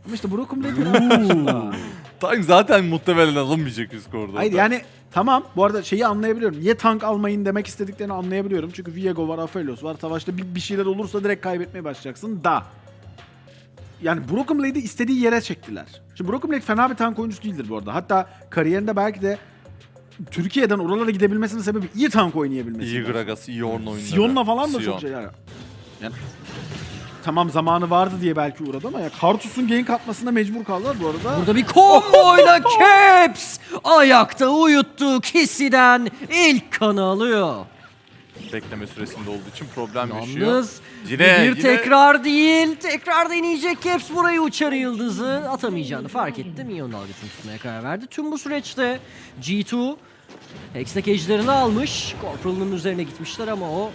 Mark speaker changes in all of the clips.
Speaker 1: Ama işte Broken Blade'in karşında.
Speaker 2: Tank zaten muhtemelen alınmayacak üst koridorda.
Speaker 1: Hayır yani tamam, bu arada şeyi anlayabiliyorum. Niye tank almayın demek istediklerini anlayabiliyorum. Çünkü Viego var, Aphelios var. Savaşta bir şeyler olursa direkt kaybetmeye başlayacaksın da. Yani Broken Blade'i istediği yere çektiler. Şimdi Broken Blade fena bir tank oyuncusu değildir bu arada. Hatta kariyerinde belki de Türkiye'den oralara gidebilmesinin sebebi iyi tank oynayabilmesi.
Speaker 2: İyi Gragas, iyi Ornn oyunları.
Speaker 1: Sion'la falan da
Speaker 2: Sion.
Speaker 1: çok şeyler. Yani tamam zamanı vardı diye belki uğradı ama ya Karthus'un gank atmasına mecbur kaldılar bu arada.
Speaker 3: Burada bir komboyla Caps ayakta uyuttu Kissi'den ilk kanı alıyor.
Speaker 2: Bekleme süresinde olduğu için problem yaşıyor.
Speaker 3: Yalnız
Speaker 2: Yine-
Speaker 3: bir tekrar değil, tekrar deneyecek Caps burayı uçarı yıldızı atamayacağını fark etti. Minyon dalgasını tutmaya karar verdi. Tüm bu süreçte G2 Hextech ejderini almış. Corporal'ın üzerine gitmişler ama o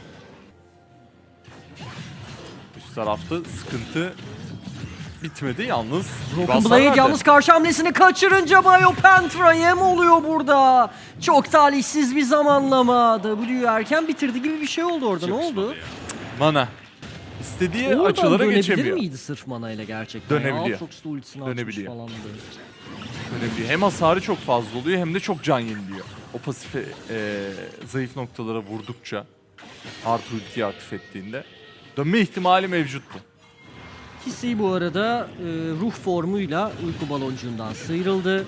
Speaker 2: Üst tarafta sıkıntı bitmedi yalnız.
Speaker 3: Broken
Speaker 2: Hasar
Speaker 3: Blade
Speaker 2: verdi.
Speaker 3: yalnız karşı hamlesini kaçırınca Biopentra yem oluyor burada. Çok talihsiz bir zamanlama. W erken bitirdi gibi bir şey oldu orada. Ne oldu?
Speaker 2: Mana. İstediği
Speaker 3: Oradan
Speaker 2: açılara
Speaker 3: dönebilir
Speaker 2: geçemiyor.
Speaker 3: miydi sırf mana ile gerçekten?
Speaker 2: Dönebiliyor.
Speaker 3: Aatrox da ultisini açmış
Speaker 2: Dönebiliyor.
Speaker 3: falan da.
Speaker 2: Önemli. Hem hasarı çok fazla oluyor hem de çok can yeniliyor. O pasife zayıf noktalara vurdukça artı ultiyi aktif ettiğinde dönme ihtimali mevcuttu.
Speaker 3: Kisi bu arada ruh formuyla uyku baloncuğundan sıyrıldı.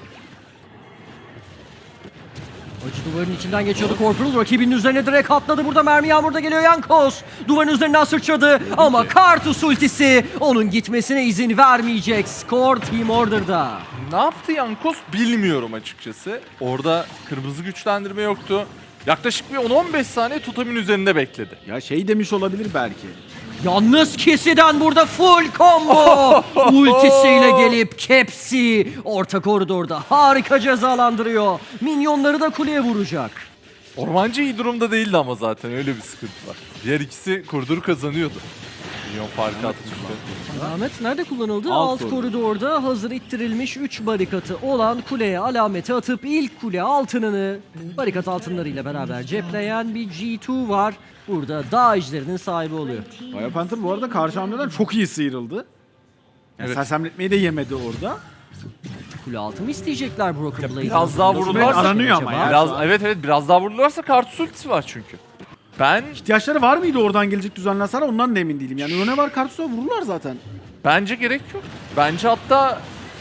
Speaker 3: Acı duvarın içinden geçiyordu Corporal. Rakibinin üzerine direkt atladı. Burada mermi yağmurda geliyor Jankos. Duvarın üzerinden sıçradı. Ama Karthus ultisi onun gitmesine izin vermeyecek. Skor Team Order'da.
Speaker 2: Ne yaptı Jankos bilmiyorum açıkçası. Orada kırmızı güçlendirme yoktu. Yaklaşık bir 10-15 saniye Totem'in üzerinde bekledi.
Speaker 1: Ya şey demiş olabilir belki.
Speaker 3: Yalnız Kisi'den burada full combo. Ultisiyle gelip Caps'i orta koridorda harika cezalandırıyor. Minyonları da kuleye vuracak.
Speaker 2: Ormancı iyi durumda değildi ama zaten öyle bir sıkıntı var. Diğer ikisi koridoru kazanıyordu. Milyon farkı atmıştı.
Speaker 3: Alamet nerede kullanıldı?
Speaker 1: Alt
Speaker 3: Alt koridorda hazır ittirilmiş 3 barikatı olan kuleye alameti atıp ilk kule altınını barikat altınlarıyla beraber cepleyen bir G2 var. Burada dağ ejderinin sahibi oluyor.
Speaker 1: Biopanther bu arada karşı hamleden çok iyi sıyrıldı. Yani
Speaker 2: Evet.
Speaker 1: sersemletmeyi de yemedi orada.
Speaker 3: Kule altı mı isteyecekler Broken Blade'den?
Speaker 2: biraz daha vururlarsa
Speaker 1: aranıyor ama ya.
Speaker 2: Biraz, evet biraz daha vururlarsa Karthus ultisi var çünkü. Ben
Speaker 1: İhtiyaçları var mıydı oradan gelecek düzenli hasara, ondan da emin değilim. Yani öne var Karthus'a vururlar zaten.
Speaker 2: bence gerek yok. Bence hatta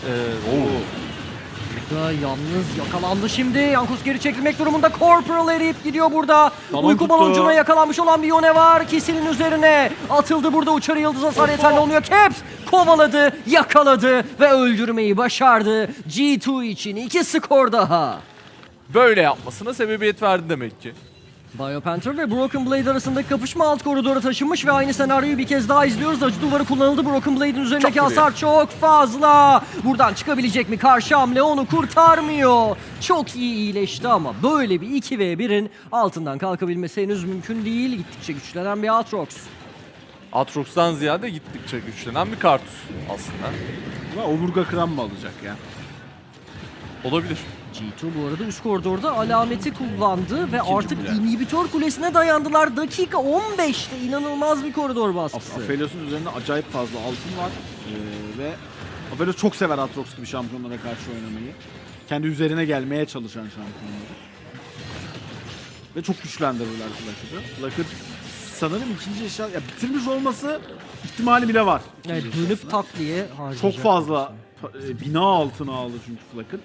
Speaker 3: Burada yalnız yakalandı şimdi. Yankos geri çekilmek durumunda. Corporal eriyip gidiyor burada.
Speaker 1: Balon
Speaker 3: Uyku
Speaker 1: tuttu.
Speaker 3: baloncuğuna yakalanmış olan bir Yone var. Kisinin üzerine atıldı burada. Uçarı yıldız hasar yeterli olmuyor. Caps kovaladı, yakaladı ve öldürmeyi başardı. G2 için 2 skor daha.
Speaker 2: böyle yapmasına sebebiyet verdi demek ki.
Speaker 3: Biopanther ve Broken Blade arasındaki kapışma alt koridora taşınmış ve aynı senaryoyu bir kez daha izliyoruz. Acı duvarı kullanıldı. Broken Blade'in üzerindeki
Speaker 2: Çok
Speaker 3: hasar çok fazla. Buradan çıkabilecek mi? Karşı hamle onu kurtarmıyor. Çok iyi iyileşti ama böyle bir 2v1'in altından kalkabilmesi henüz mümkün değil. Gittikçe güçlenen bir Aatrox.
Speaker 2: Aatrox'tan ziyade gittikçe güçlenen bir Karthus aslında.
Speaker 1: Ama omurga kıran mı alacak ya?
Speaker 2: Olabilir.
Speaker 3: G2 bu arada üst koridorda alameti kullandı ve artık
Speaker 1: kule.
Speaker 3: inhibitor kulesine dayandılar. Dakika 15'te inanılmaz bir koridor baskısı.
Speaker 1: Aphelios'un üzerinde acayip fazla altın var. Ve Aphelios çok sever Aatrox gibi şampiyonlara karşı oynamayı. Kendi üzerine gelmeye çalışan şampiyonları. Ve çok güçlendirdiler Flackett'ı. Flackett sanırım ikinci eşya... Ya bitirmiş olması ihtimali bile var.
Speaker 3: Evet, dönüp tak diye harcayacak.
Speaker 1: Çok fazla bina altına aldı çünkü Flackett.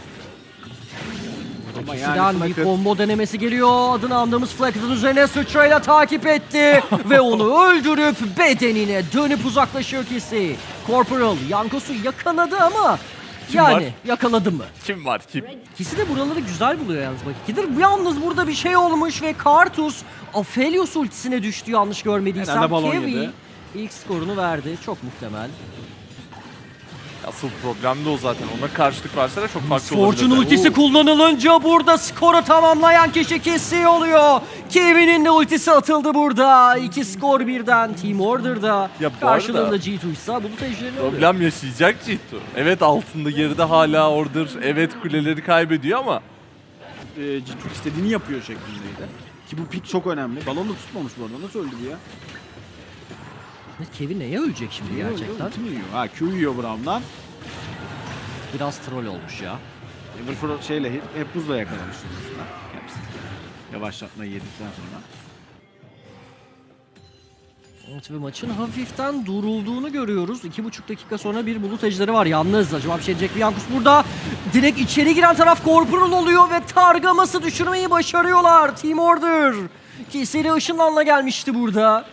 Speaker 1: Ama
Speaker 3: Kisi'den bir
Speaker 1: Flackett-
Speaker 3: combo denemesi geliyor. Adını andığımız Flackett'ın üzerine sıçrayla takip etti. ve onu öldürüp bedenine dönüp uzaklaşıyor Kisi. Corporal Yankos'u yakaladı ama
Speaker 2: Kim
Speaker 3: yani
Speaker 2: var?
Speaker 3: yakaladı mı?
Speaker 2: Kim var kim?
Speaker 3: Kisi de buraları güzel buluyor yalnız bak. İkidir yalnız burada bir şey olmuş ve Karthus Aphelios ultisine düştü yanlış görmediysem.
Speaker 1: Herhalde balon
Speaker 3: Kevi
Speaker 1: yedi.
Speaker 3: ilk skorunu verdi. Çok muhtemel.
Speaker 2: Asıl problem de o zaten. Ona karşılık verseler çok farklı
Speaker 3: Fortune
Speaker 2: olabilirdi.
Speaker 3: ultisi kullanılınca burada skoru tamamlayan kişi Kisi oluyor. Kevin'in de ultisi atıldı burada. 2 skor birden Team Order'da.
Speaker 2: Ya bu
Speaker 3: Karşılığında
Speaker 2: arada-
Speaker 3: G2 ise bulut ejderini alıyor.
Speaker 2: Problem yaşayacak G2. Evet altında geride hala Order. Evet kuleleri kaybediyor ama
Speaker 1: G2 istediğini yapıyor şeklindeydi. Ki bu pik çok önemli. Balon da tutmamış bu arada. Nasıl öldü bu ya?
Speaker 3: Kevin neye ölecek şimdi gerçekten?
Speaker 1: Ulti mi yiyor? Ha Q yiyor Brown'dan.
Speaker 3: biraz troll olmuş ya.
Speaker 1: Everfro şeyle hep buzla yakalamış aslında. Caps. Yavaşlatmayı yedikten sonra.
Speaker 3: Evet ve maçın hafiften durulduğunu görüyoruz. 2,5 dakika sonra bir bulut ejderi var. Yalnız acaba bir şey diyecek mi? Yankus burada direkt içeri giren taraf Corporal oluyor ve Targamas'ı düşürmeyi başarıyorlar. Team Order. Kiseri ışınlanla gelmişti burada.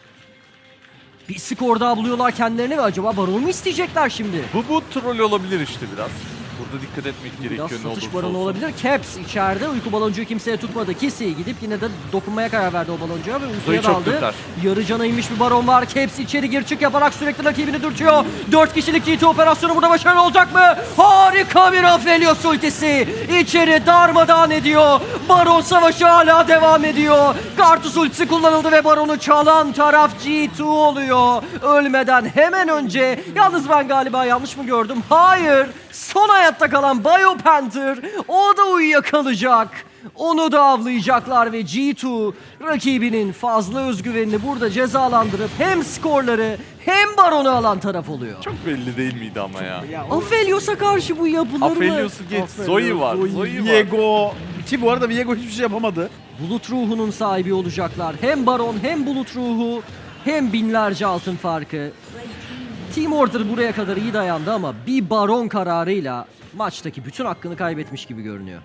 Speaker 3: Bir skor daha buluyorlar kendilerini ve acaba Baron mu isteyecekler şimdi?
Speaker 2: Bu troll olabilir işte biraz. Burada dikkat etmek
Speaker 3: Biraz
Speaker 2: gerekiyor ne
Speaker 3: satış
Speaker 2: olursa
Speaker 3: baronu
Speaker 2: olsun.
Speaker 3: olabilir. Caps içeride. Uyku baloncuğu kimseye tutmadı. Kisi gidip yine de dokunmaya karar verdi o baloncuğa ve uykuya
Speaker 2: Zoe çok
Speaker 3: daldı.
Speaker 2: dürter.
Speaker 3: Yarı cana inmiş bir baron var. Caps içeri gir çık yaparak sürekli rakibini dürtüyor. 4 kişilik GT operasyonu burada başarılı olacak mı? Harika bir Aphelios ultisi. İçeri darmadağın ediyor. Baron savaşı hala devam ediyor. Kartus ultisi kullanıldı ve baronu çalan taraf G2 oluyor. Ölmeden hemen önce. Yalnız ben galiba yanlış mı gördüm? Hayır. Son hayatta kalan Biopanther. O da uyuyakalacak. Onu da avlayacaklar ve G2 rakibinin fazla özgüvenini burada cezalandırıp hem skorları hem baronu alan taraf oluyor.
Speaker 2: Çok belli değil miydi ama ya?
Speaker 1: Ya o
Speaker 3: Aphelios'a karşı bu yapılır mı?
Speaker 2: Aphelios'u geç. Zoe var. Zoe var.
Speaker 1: Viego. Ki bu arada Viego hiçbir şey yapamadı.
Speaker 3: Bulut ruhunun sahibi olacaklar. Hem baron hem bulut ruhu hem binlerce altın farkı. Team Order buraya kadar iyi dayandı ama bir baron kararıyla maçtaki bütün hakkını kaybetmiş gibi görünüyor.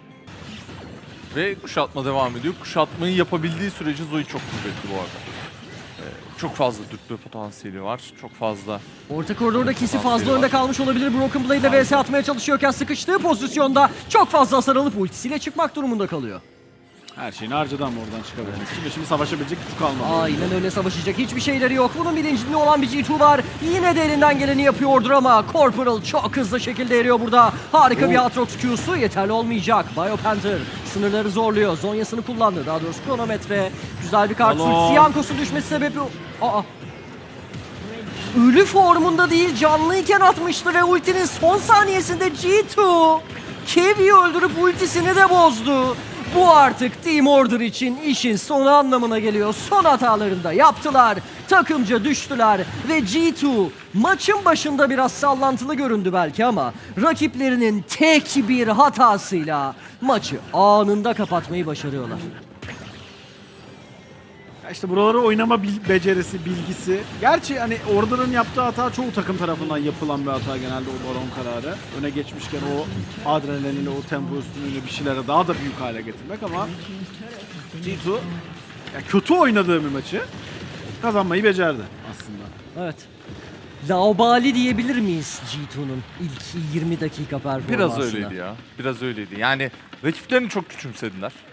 Speaker 2: Ve kuşatma devam ediyor. Kuşatmayı yapabildiği sürece Zoe çok kuvvetli bu arada. Çok fazla dürtme potansiyeli var. Çok fazla.
Speaker 3: Orta koridorda Kisi fazla
Speaker 2: Potansiyeli
Speaker 3: önde
Speaker 2: var.
Speaker 3: kalmış olabilir. Broken Blade ile vs atmaya çalışıyorken sıkıştığı pozisyonda çok fazla hasar alıp ultisiyle çıkmak durumunda kalıyor.
Speaker 1: Her şeyini harcadı ama oradan çıkabilmesi için. Şimdi savaşabilecek gücü kalmadı.
Speaker 3: Aynen öyle, savaşacak hiçbir şeyleri yok. Bunun bilincinde olan bir G2 var. Yine de elinden geleni yapıyordur ama Corporal çok hızlı şekilde eriyor burada. Harika bir Aatrox Q'su yeterli olmayacak. Biopanther sınırları zorluyor. Zonyasını kullandı. Daha doğrusu kronometre. Güzel bir kart.
Speaker 1: Balon.
Speaker 3: Siyankos'un düşmesi sebebi... Aa. Ölü formunda değil, canlıyken atmıştı ve ultinin son saniyesinde G2 Kevi'yi öldürüp ultisini de bozdu. Bu artık Team Order için işin sonu anlamına geliyor. Son hatalarını da yaptılar. Takımca düştüler ve G2 maçın başında biraz sallantılı göründü belki ama rakiplerinin tek bir hatasıyla maçı anında kapatmayı başarıyorlar.
Speaker 1: Ya işte buraları oynama becerisi, bilgisi. Gerçi hani Order'ın yaptığı hata çoğu takım tarafından yapılan bir hata genelde o baron kararı. Öne geçmişken o adrenaliniyle, o tempo üstünlüğüyle bir şeylere daha da büyük hale getirmek ama G2 ya kötü oynadığı bir maçı kazanmayı becerdi aslında.
Speaker 3: Evet. Laubali diyebilir miyiz G2'nun ilk 20 dakika performansına?
Speaker 2: Biraz öyleydi ya. Biraz öyleydi. Yani rakiplerini çok küçümsediler.